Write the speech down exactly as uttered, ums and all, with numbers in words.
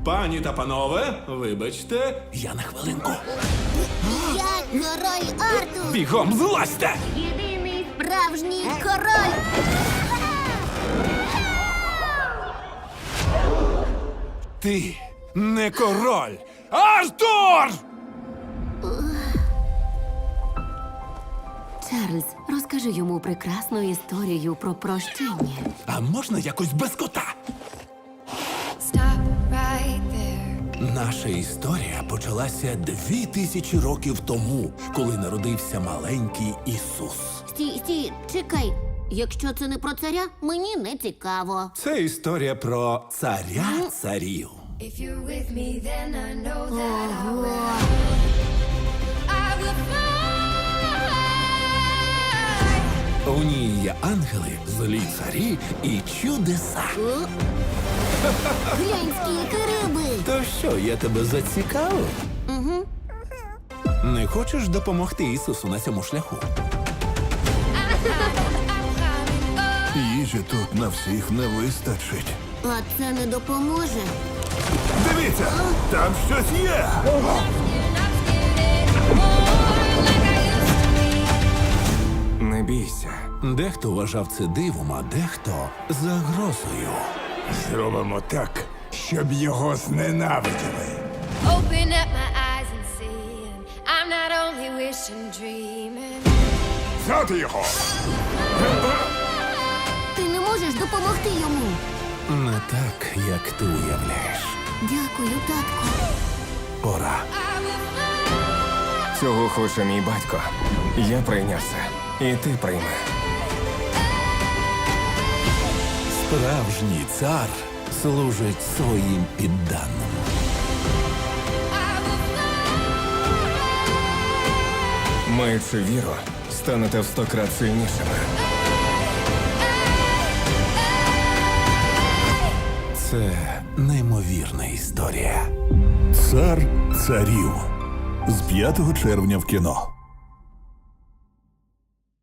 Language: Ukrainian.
Пані та панове, вибачте, я на хвилинку. Я король Артур, Бігом злазьте! єдиний справжній король. Ти не король! Артур! Чарльз, розкажи йому прекрасну історію про прощення. А можна якось без кота? Stop right there. Наша історія почалася дві тисячі років тому, коли народився маленький Ісус. Стій, стій, чекай. Якщо це не про царя, мені не цікаво. Це історія про царя царів. If you're with me, then I know that I Ого. will. I will fly. У ній є ангели, злі царі і чудеса. О? Глянь, скільки риби. То що, я тебе зацікавив? Угу. Не хочеш допомогти Ісусу на цьому шляху? Їжі тут на всіх не вистачить. А це не допоможе. Дивіться, там щось є. Не бійся. Дехто вважав це дивом, а дехто загрозою. Зробимо так, щоб його зненавиділи. Open up my eyes and see. I'm not only wishing, dreaming. Взяти його! Ти не можеш допомогти йому. Не так, як ти уявляєш. Дякую, татку. Пора. Цього хоче мій батько. Я прийняв це. І ти прийми. Справжній цар служить своїм підданим. Маючи віру, станете в сто крат сильнішими. Це неймовірна історія. Цар царів з п'ятого червня в кіно.